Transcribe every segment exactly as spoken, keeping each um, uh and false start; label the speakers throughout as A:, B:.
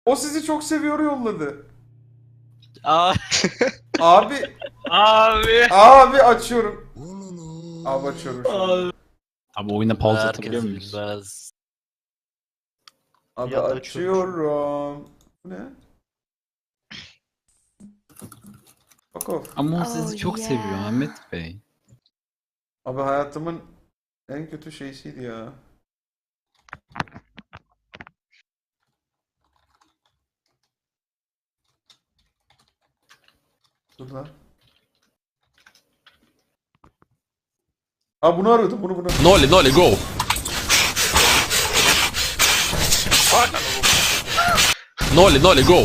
A: O sizi çok seviyor yolladı.
B: Abi.
A: Abi.
B: Abi.
A: Abi açıyorum. Abi açıyorum şu an.
B: Abi.
C: Abi oyuna pause
B: Herkes
C: atabiliyor muyuz?
B: bilmez.
A: Abi
B: Ya da
A: açıyorum. Bu ne? Fuck off.
C: Ama o
D: Oh,
C: sizi çok
D: yeah.
C: seviyor Ahmet Bey.
A: Abi hayatımın en kötü şeysiydi ya. Dur lan. Aa bunu arıyordum bunu bunu.
E: Nolly, Nolly, go! Nolly, Nolly, go!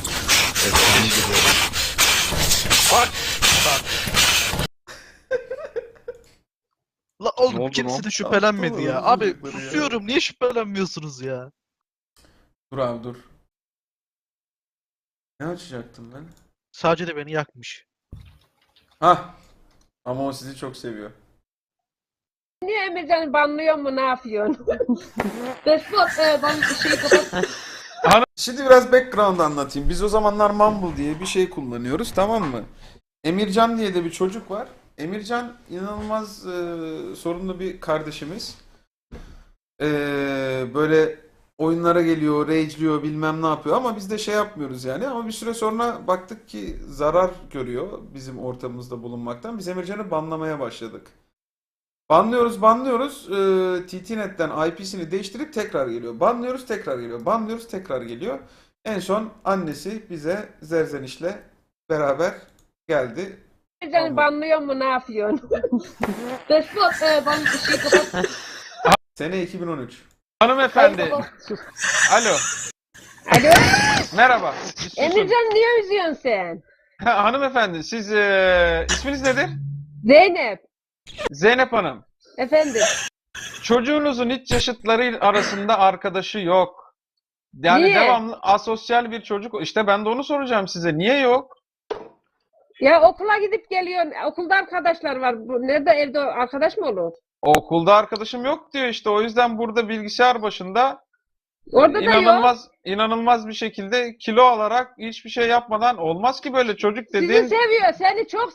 B: La
A: Ne
B: oğlum
A: oldu
B: kimse
A: lan?
B: de şüphelenmedi ya. Abi
A: Çocukları ya.
B: susuyorum niye şüphelenmiyorsunuz ya?
A: Dur abi dur. Ne açacaktım ben?
B: Sadece de beni yakmış.
A: Hah. Ama o sizi çok seviyor.
F: Niye Emircan'ı banlıyor mu ne yapıyorsun? Despot e, ben bir şey kapat.
A: Şimdi biraz background anlatayım. Biz o zamanlar Mumble diye bir şey kullanıyoruz, tamam mı? Emircan diye de bir çocuk var. Emircan inanılmaz e, sorunlu bir kardeşimiz. E, böyle oyunlara geliyor, rage'liyor, bilmem ne yapıyor ama biz de şey yapmıyoruz yani. Ama bir süre sonra baktık ki zarar görüyor bizim ortamımızda bulunmaktan. Biz Emircan'ı banlamaya başladık. Banlıyoruz, banlıyoruz. Ee, T T Net'ten I P'sini değiştirip tekrar geliyor. Banlıyoruz, tekrar geliyor. Banlıyoruz, tekrar geliyor. En son annesi bize Zerzeniş'le beraber geldi.
F: Emircan'ı banlıyor mu ne yapıyorsun? Despot e, ben bir şey kapat.
A: Sene iki bin on üç.
G: Hanımefendi. Alo.
F: Alo.
G: Merhaba. Bir susun.
F: Emircan niye üzüyorsun sen?
G: Ha, hanımefendi siz eee, isminiz nedir?
F: Zeynep.
G: Zeynep Hanım.
F: Efendim.
G: Çocuğunuzun hiç yaşıtları arasında arkadaşı yok. Yani
F: Niye?
G: devamlı asosyal bir çocuk. İşte ben de onu soracağım size. Niye yok?
F: Ya okula gidip geliyorsun. Okulda arkadaşlar var. Bu, nerede evde arkadaş mı olur?
G: Okulda arkadaşım yok diyor işte. O yüzden burada bilgisayar başında
F: Orada da yok.
G: inanılmaz inanılmaz bir şekilde kilo alarak hiçbir şey yapmadan olmaz ki böyle çocuk
F: Sizi
G: dediğin.
F: seviyor. Seni çok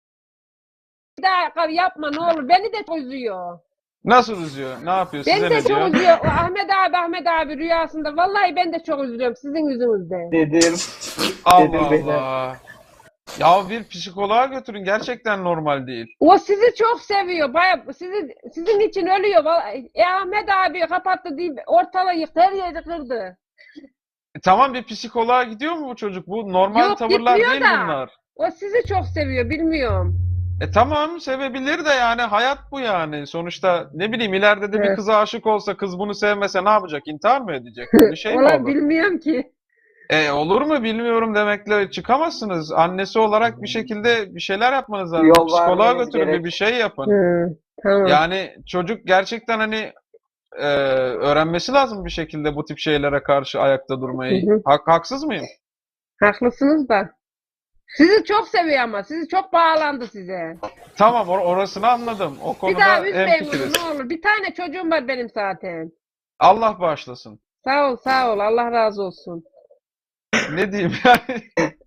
F: bir daha yapma ne olur. Beni de çok üzüyor.
G: Nasıl üzüyor? Ne yapıyor? Size
F: Beni de
G: ne diyor?
F: çok üzüyor. O Ahmet abi Ahmet abi rüyasında. Vallahi ben de çok üzülüyorum sizin yüzünüzden.
H: Dedim.
G: Allah
H: Dedim
G: Allah. Ya bir psikoloğa götürün. Gerçekten normal değil.
F: O sizi çok seviyor. Baya sizi, sizin için ölüyor. Vallahi, e, Ahmet abi kapattı deyip ortalığı yıktı. Her yeri kırdı.
G: E, tamam bir psikoloğa gidiyor mu bu çocuk? Bu normal
F: Yok,
G: tavırlar
F: gitmiyor
G: değil
F: da.
G: bunlar.
F: O sizi çok seviyor. Bilmiyorum.
G: E tamam sevebilir de yani hayat bu yani. Sonuçta ne bileyim ileride de bir
F: Evet.
G: kıza aşık olsa kız bunu sevmese ne yapacak? İntihar mı edecek? Bir şey mi
F: Valla
G: olur?
F: bilmiyorum ki.
G: E olur mu bilmiyorum demekle çıkamazsınız. Annesi olarak bir şekilde bir şeyler yapmanız lazım.
H: Yol
G: Psikoloğa
H: vermeniz
G: götürün bir,
H: gerek.
G: bir şey yapın.
F: Hı, tamam.
G: Yani çocuk gerçekten hani e, öğrenmesi lazım bir şekilde bu tip şeylere karşı ayakta durmayı.
F: Hı hı.
G: Hak, haksız mıyım?
F: Haklısınız da. Sizi çok seviyor ama. Sizi çok bağlandı size.
G: Tamam or- orasını anladım. O
F: Bir
G: konuda
F: daha üzmeyin
G: hemfikiriz.
F: bunu ne olur. Bir tane çocuğum var benim zaten.
G: Allah bağışlasın.
F: Sağ ol sağ ol. Allah razı olsun.
G: Ne diyeyim yani?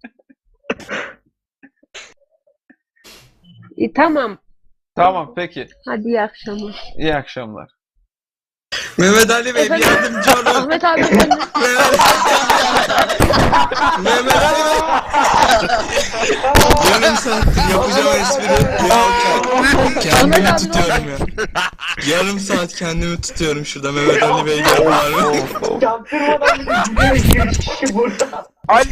F: E, tamam.
G: Tamam peki.
F: Hadi iyi akşamlar.
G: İyi akşamlar.
I: Mehmet Ali Bey bir
F: Efendim?
I: yardımcı olun.
F: Ahmet abi efendim.
I: Mehmet Ali Bey. Yarım saattir yapacağım espri. Ya kendimi tutuyorum ya. Yarım saat kendimi tutuyorum şurada Mehmet Ali Bey gel var.
H: Çaktırmadan bir gidiyor burada.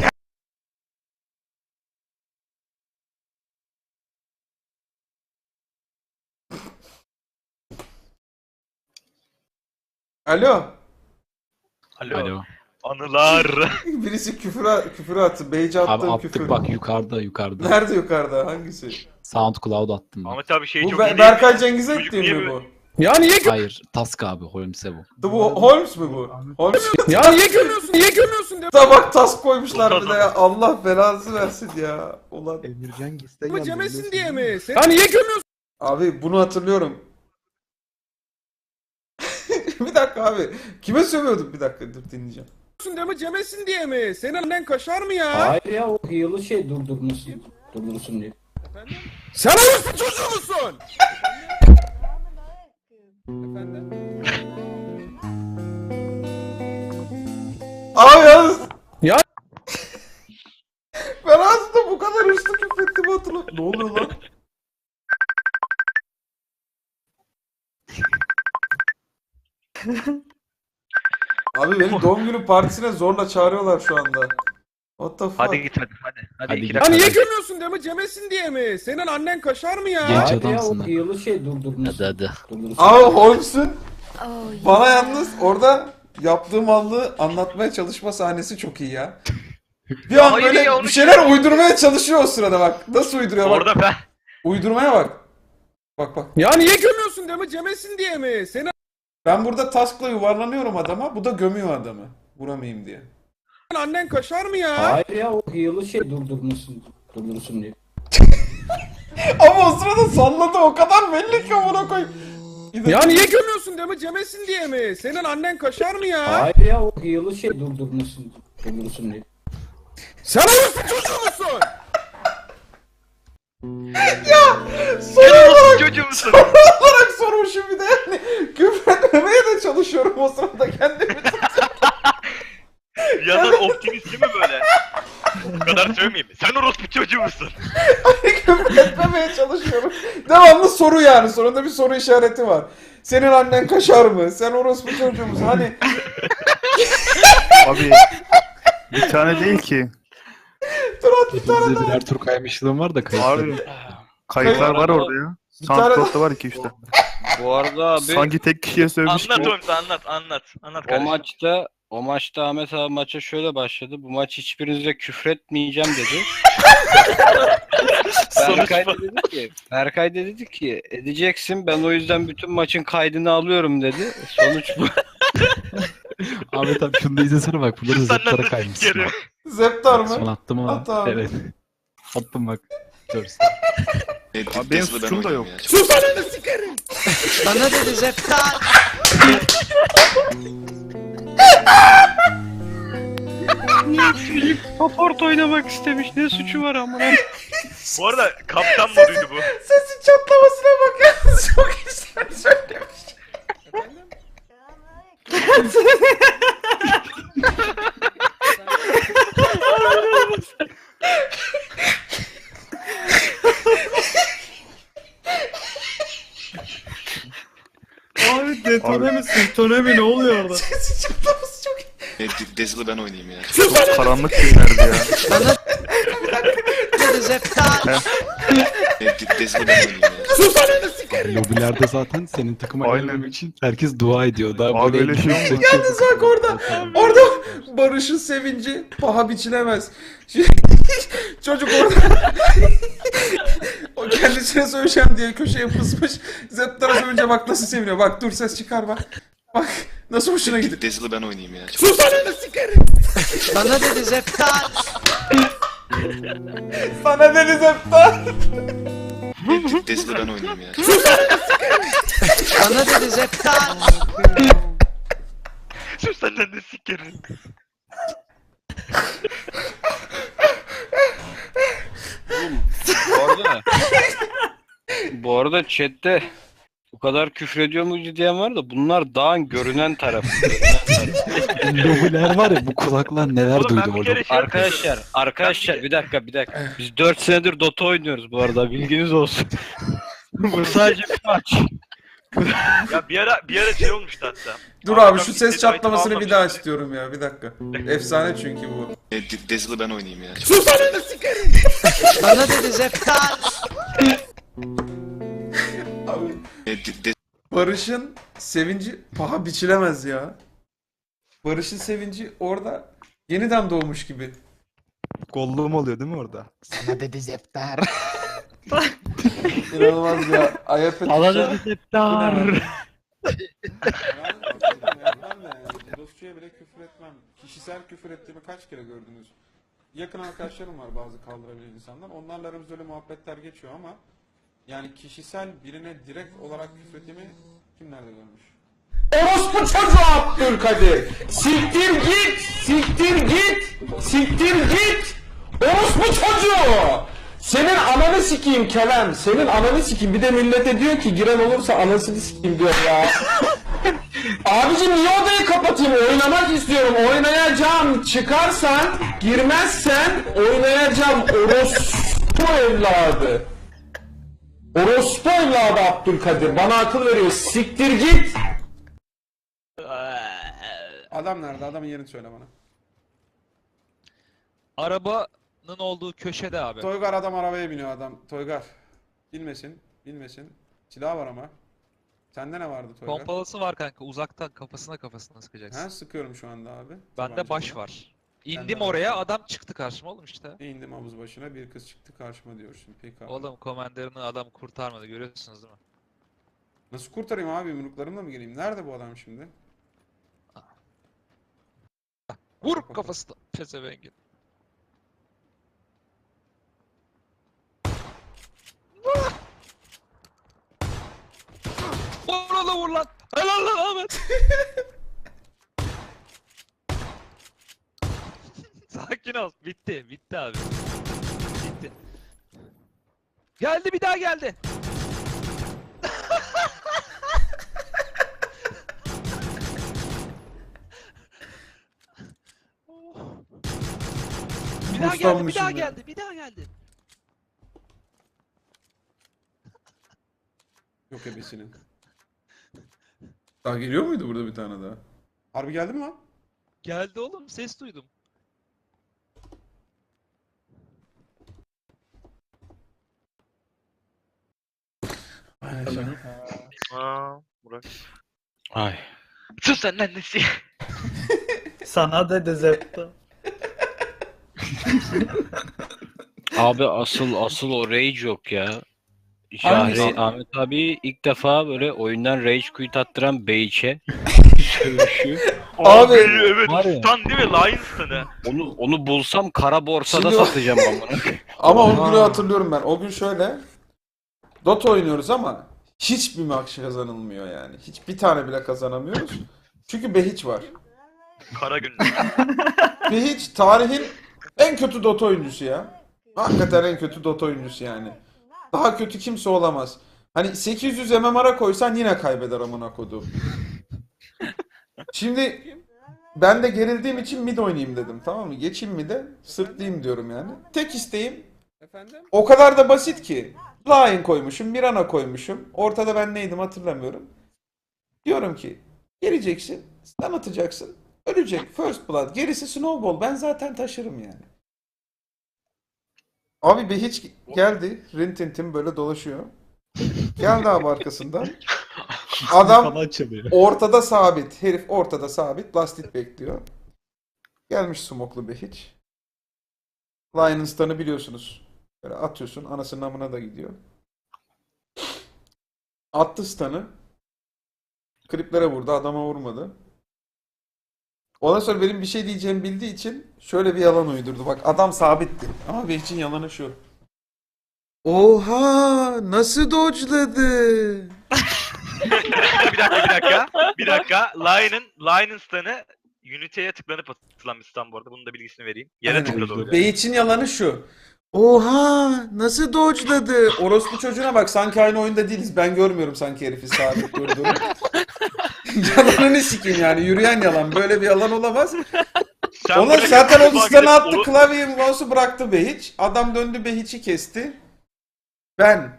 A: Alo.
B: Alo.
C: Alo.
B: Anılar.
A: Birisi küfür, küfür attı. Beyce
C: Abi
A: attığım
C: attık
A: küfür.
C: bak yukarıda yukarıda.
A: Nerede yukarıda? Hangisi?
C: SoundCloud attım ben.
J: Ahmet abi şey
A: Bu
J: çok
A: Be-
J: iyi değil
A: Berkay
J: mi?
A: Cengiz'e
J: Çocuk
A: ettiğim
J: niye
A: mi
J: böyle-
A: bu?
I: Ya niye
C: Hayır Task abi Holmes'e bu.
A: Bu Holmes mu bu? Holmes.
I: Ya niye gömüyorsun? Niye gömüyorsun?
A: Da bak tas koymuşlar bir de ya. Allah belanızı versin ya. Ulan.
I: Mı cemesin diye mi? Ya niye gömüyorsun?
A: Abi bunu hatırlıyorum. Bir dakika abi. Kime sövüyorduk? Bir dakika dur dinleyeceğim. Değil mi Cemesin diye mi? Senin annen kaşar mı ya?
D: Hayır ya o yılı şey durdurmuşsun. Durdursun diye.
A: Sen orospu çocuğu musun? Efendim? Abi yalnız... Ya... Ben aslında bu kadar hırslı küfrettiğimi hatırlamıyorum. Ne oluyor lan? Abi benim doğum günü partisine zorla çağırıyorlar şu anda. What the fuck?
B: Hadi git hadi hadi. Hadi,
C: Hadi
B: iki
C: git.
A: Ya
B: dakika.
A: niye gömüyorsun değil mi? Cemesin diye mi? Senin annen kaşar mı ya?
C: Genç
D: Hayır ya
C: adamsın
D: o
C: lan.
D: yılı şey durdurmuşsun.
C: Hadi hadi.
D: Durdursun.
A: Abi Holmes'un bana yalnız orada yaptığı mallığı anlatmaya çalışma sahnesi çok iyi ya. Bir an
B: Hayır
A: böyle
B: ya,
A: bir
B: onu
A: şeyler uydurmaya çalışıyor o sırada bak. Nasıl uyduruyor bak.
B: Orada ben.
A: Uydurmaya bak. Bak bak. Ya niye gömüyorsun değil mi? Cemesin diye mi? Senin... Ben burada taskla yuvarlanıyorum adama. Bu da gömüyor adamı. Vuramayayım diye. Annen kaşar mı ya?
D: Hayır ya o yılı şey durdurmuşsun. Durdursun diye.
A: Ama o sırada salladı o kadar belli ki amına koyayım. Ya niye gömüyorsun değil mi? Cemesin diye mi? Senin annen kaşar mı ya?
D: Hayır ya o yılı şey durdurmuşsun. Durdursun diye.
A: Sen orospu çocuğu musun? ya soru olarak,
B: Çocuğu musun?
A: soru olarak sormuşum bir de yani. Küfretmemeye de çalışıyorum o sırada kendimi.
B: Bir yandan optimist değil mi böyle? O kadar söylemeyeyim. Sen orospu çocuğu musun?
A: Küfretmemeye çalışıyorum. Devamlı soru yani. Sonunda bir soru işareti var. Senin annen kaşar mı? Sen orospu çocuğu musun? Hani
J: Abi bir tane değil ki.
A: dur at bir tane
C: Bizde
A: daha.
C: birer tur kaymışlığım var da kayıtlı.
J: Abi kayıtlar var orada ya.
A: Bir tane
J: Soundcloud'da var iki işte.
K: Bu arada abi
J: Sanki tek kişiye sövmüş
B: Anlat
J: gibi.
B: oğlum anlat anlat. Anlat
K: o
B: kardeşim.
K: maçta o maçta Ahmet abi maça şöyle başladı. Bu maç hiçbirinize küfretmeyeceğim dedi.
B: Sonuç
K: Berkay
B: bu.
K: da dedi ki, Berkay da dedi ki edeceksin ben o yüzden bütün maçın kaydını alıyorum dedi. Sonuç bu.
C: Ahmet abi şunu da izlesene bak. Burada
B: Senden
C: zıplara
B: de
C: kaymışsın.
B: sikerim.
A: Zeptar
C: Son
A: mı?
C: attım ama.
A: At abi.
C: Evet. Attım bak. Görsün.
J: Abi benim suçum da yok.
A: Sus ananı sikerim.
B: Bana dedi Zeptar.
K: Paport oynamak istemiş. Ne suçu var ama?
B: Bu arada kaptan moduydu bu.
A: Sesin çatlamasına bak ya. Çok güzel söylemiş.
I: Abi detone misin? Detone mi ne oluyor orada?
A: Sesin çatlaması çok iyi.
E: Dezil'i ben oynayayım ya.
J: Çok karanlık günlerdi ya.
E: Dezil'i ben oynayayım ya.
A: Sus ananı sikerim.
C: Lobilerde zaten senin takıma
J: Aynen.
C: gelmem için herkes dua ediyor. Daha
J: Abi
C: böyle
J: öyle şey
C: elini
J: olmaz.
C: seçiyor.
A: Yalnız bak orada. Orada Barış'ın sevinci paha biçilemez. Şimdi- Çocuk orada o kendisine söyleyeceğim diye köşeye fısmış. Zeptar'a söyleyince bak nasıl seviniyor. Bak dur ses çıkar bak. Bak nasıl hoşuna gidiyor.
E: Dezil'i ben oynayayım ya.
A: Sus ananı sikerim.
B: Bana dedi Zeptar.
A: Sana deniz Zeptar.
E: Dezil'i ben oynayayım ya.
B: Bana dedi Zeptar. Sus senden de sikerim.
K: Bu arada bu arada chatte bu kadar küfür ediyor mu diyen var da bunlar dağın görünen tarafı.
C: Lobiler var ya bu kulaklar neler
B: Oğlum ben
C: duydu
B: bir
C: orada.
B: kere şey
K: Arkadaşlar, arkadaşlar bir dakika bir dakika. Biz dört senedir Dota oynuyoruz bu arada bilginiz olsun. Bu sadece bir maç.
B: Ya bir ara bir ara şey olmuştu hatta.
A: Dur abi şu ses çatlamasını bir daha istiyorum ya bir dakika. Efsane çünkü bu.
E: Dezil'i ben oynayayım ya.
A: Sus ananı sikerim.
B: Bana dedi Zeptar.
A: Abi
E: De-
A: Barış'ın sevinci paha biçilemez ya. Barış'ın sevinci orada yeniden doğmuş gibi.
J: Kolluğum oluyor değil mi orada?
C: Sana dedi Zeptar.
A: İnanılmaz ya. Ayıp etmiş.
C: Sana dedi Zeptar.
A: Dostçuya bile küfür etmem. Kişisel küfür ettiğimi kaç kere gördünüz? Yakın arkadaşlarım var bazı kaldırabilen insanlar. Onlarla aramızda öyle muhabbetler geçiyor ama yani kişisel birine direkt olarak küfür ettiğimi kim nerede görmüş?
L: Orospu çocuğu Abdülkadir. Siktir git. Siktir git. Siktir git. Orospu çocuğu. Senin ananı sikeyim Kerem. Senin ananı sikeyim. Bir de millete diyor ki giren olursa anasını sikeyim diyor ya. Abicim niye odayı kapatayım? Oynamak istiyorum. Oynayacağım. Çıkarsan, girmezsen oynayacağım. Orospu evladı. Orospu evladı Abdülkadir. Bana akıl veriyor. Siktir git. Adam nerede? Adamın yerini söyle bana.
C: Arabanın olduğu köşede abi.
L: Toygar adam arabaya biniyor adam. Toygar. Bilmesin. Bilmesin. Silah var ama. Sende ne vardı Toygar?
C: Pompalısı var kanka. Uzaktan kafasına kafasına sıkacaksın.
L: Ha sıkıyorum şu anda abi.
C: Bende baş var.
L: Bende
C: İndim
L: var.
C: oraya, adam çıktı karşıma oğlum işte.
L: İndim havuz başına, bir kız çıktı karşıma diyorsun. Peki abi.
C: Oğlum komanderini adam kurtarmadı, görüyorsunuz değil mi?
L: Nasıl kurtarayım abi? Yumruklarımla mı geleyim? Nerede bu adam şimdi?
C: Vur kafasına pezevengin. Vur lan vur lan. Helal lan Ahmet. Sakin ol. Bitti. Bitti abi. Bitti. Geldi bir daha geldi. Bir daha geldi, bir daha geldi, bir daha geldi.
L: Yok ebesinin. Daha geliyor muydu burada bir tane daha? Harbi geldi mi lan?
C: Geldi oğlum, ses duydum.
B: Aa, Burak.
K: Ay.
B: Sus sen annesi.
H: Sana dedi Zepto.
K: Abi asıl asıl o rage yok ya.
L: Hangisi?
K: Şahri Ahmet abi ilk defa böyle oyundan rage quit attıran Beyç'e sövüşü.
B: Abi,
L: Abi,
B: evet
C: var ya.
B: stan değil mi? Lion stanı.
K: Onu onu bulsam kara borsada
L: Şimdi o-
K: satacağım ben bunu.
L: Ama o günü hatırlıyorum ben. O gün şöyle. Dota oynuyoruz ama hiçbir maç kazanılmıyor yani. Hiçbir tane bile kazanamıyoruz. Çünkü Behiç var.
B: Kara gün.
L: Behiç tarihin en kötü Dota oyuncusu ya. Hakikaten en kötü Dota oyuncusu yani. Daha kötü kimse olamaz. Hani sekiz yüz M M R'a koysan yine kaybeder amına kodum. Şimdi ben de gerildiğim için mid oynayayım dedim, tamam mı? Geçeyim mid'e, sırtlayayım diyorum yani. Tek isteğim o kadar da basit ki. Lion koymuşum, Mirana koymuşum. Ortada ben neydim hatırlamıyorum. Diyorum ki geleceksin, stun atacaksın, ölecek. First blood, gerisi snowball. Ben zaten taşırım yani. Abi be hiç geldi. Rintintin böyle dolaşıyor. Geldi abi arkasından. Adam ortada sabit. Herif ortada sabit. Lastit bekliyor. Gelmiş smoklu be hiç. Lion'ın stun'ı biliyorsunuz. Böyle atıyorsun. Anasının amına da gidiyor. Attı stun'ı. Kriplere vurdu. Adama vurmadı. Ondan sonra benim bir şey diyeceğimi bildiği için şöyle bir yalan uydurdu. Bak adam sabitti. Ama Behç'in yalanı şu. Oha! Nasıl dodge'ladı?
B: bir dakika bir dakika. Bir dakika. Lion'ın Lion'ın stanı Unity'ye tıklanıp atılan bir stun bu arada. Bunun da bilgisini vereyim. Yere
L: Aynen.
B: tıkladı o.
L: Behç'in yalanı şu. Oha! Nasıl dodge'ladı? Orospu çocuğuna bak, sanki aynı oyunda değiliz. Ben görmüyorum sanki herifi sabit durduğunu. Yalanını sikeyim yani. Yürüyen yalan. Böyle bir yalan olamaz.
B: Sen
L: Ona
B: buraya
L: zaten o
B: mutfağa
L: stun'ı
B: gidip
L: attı.
B: onu-
L: Klavyeyi mouse'u bıraktı Behiç. Adam döndü Behiç'i kesti. Ben.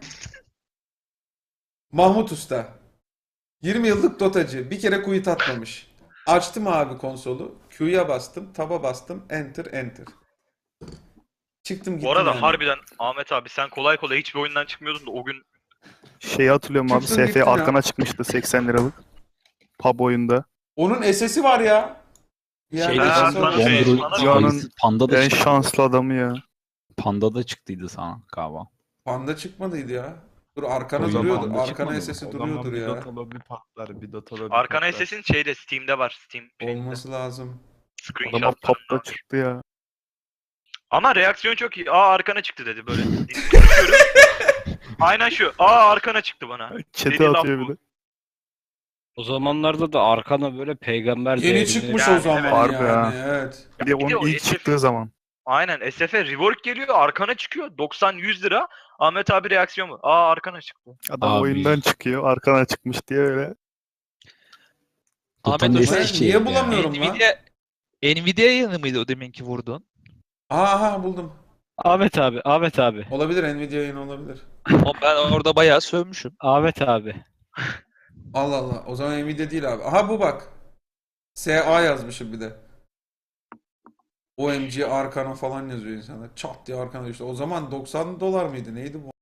L: Mahmut Usta. yirmi yıllık dotacı. Bir kere quit atmamış. Açtım abi konsolu. Q'ya bastım. Tab'a bastım. Enter enter. Çıktım gittim
B: Bu arada
L: yani.
B: harbiden Ahmet abi sen kolay kolay hiçbir oyundan çıkmıyordun da o gün
J: Şeyi hatırlıyorum abi.
L: Çıktın
J: S
L: gittin
J: F
L: ya.
J: arkana çıkmıştı seksen liralık. Pub oyunda.
L: Onun S S'i var ya. Yani
C: Şeyde
B: Ha,
C: çıktı.
B: sana şey-
C: Android
B: sana-
J: Dünyanın
C: sayısı Panda da
J: En
C: çıktı.
J: şanslı adamı ya.
C: Panda da çıktıydı sana galiba.
L: Panda çıkmadıydı ya. Dur arkana
C: O zaman
L: duruyordu.
C: Panda
L: Arkana
C: çıkmadı
L: S S'i
C: mı?
L: duruyordur ya.
J: bir patlar, bir Dota'da
B: Arkana S S'in şeyde Steam'de var. Steam
L: Olması lazım.
J: Adama
B: screenshot.
J: pop'ta çıktı ya.
B: Ama reaksiyon çok iyi. Aa arkana çıktı dedi böyle. Konuşuyorum. Aynen şu. Aa arkana çıktı bana.
J: Chat'e
B: Dediği laf
J: atıyor
B: bu.
J: bir de.
K: O zamanlarda da arkana böyle peygamber
A: Yeni
K: değerinde-
A: çıkmış o
B: Yani,
A: zaman
J: Harbi
A: yani.
J: ha.
A: Evet.
J: Bir de
B: bir de
J: onun
B: o
J: ilk
B: S F
J: çıktığı zaman.
B: Aynen S F'e rework geliyor arkana çıkıyor doksan yüz lira. Ahmet abi reaksiyon mu? Aa arkana çıktı.
J: Adam
K: Abi.
J: oyundan çıkıyor, arkana çıkmış diye öyle.
C: Ahmet
D: Utandı
C: Hoca
A: Ben
D: şey
A: niye
D: ya.
A: bulamıyorum lan?
C: Nvidia Nvidia yayını mıydı o deminki vurdun?
A: Aha buldum.
K: Ahmet abi, Ahmet abi,
A: Olabilir, Nvidia yayını olabilir.
C: Ama ben orada bayağı sövmüşüm.
K: Ahmet abi.
A: Allah Allah. O zaman Nvidia değil abi. Aha bu bak. S A yazmışım bir de. O M G Arkana falan yazıyor insanlar. Çat diye arkana düştü. O zaman doksan dolar mıydı? Neydi bu?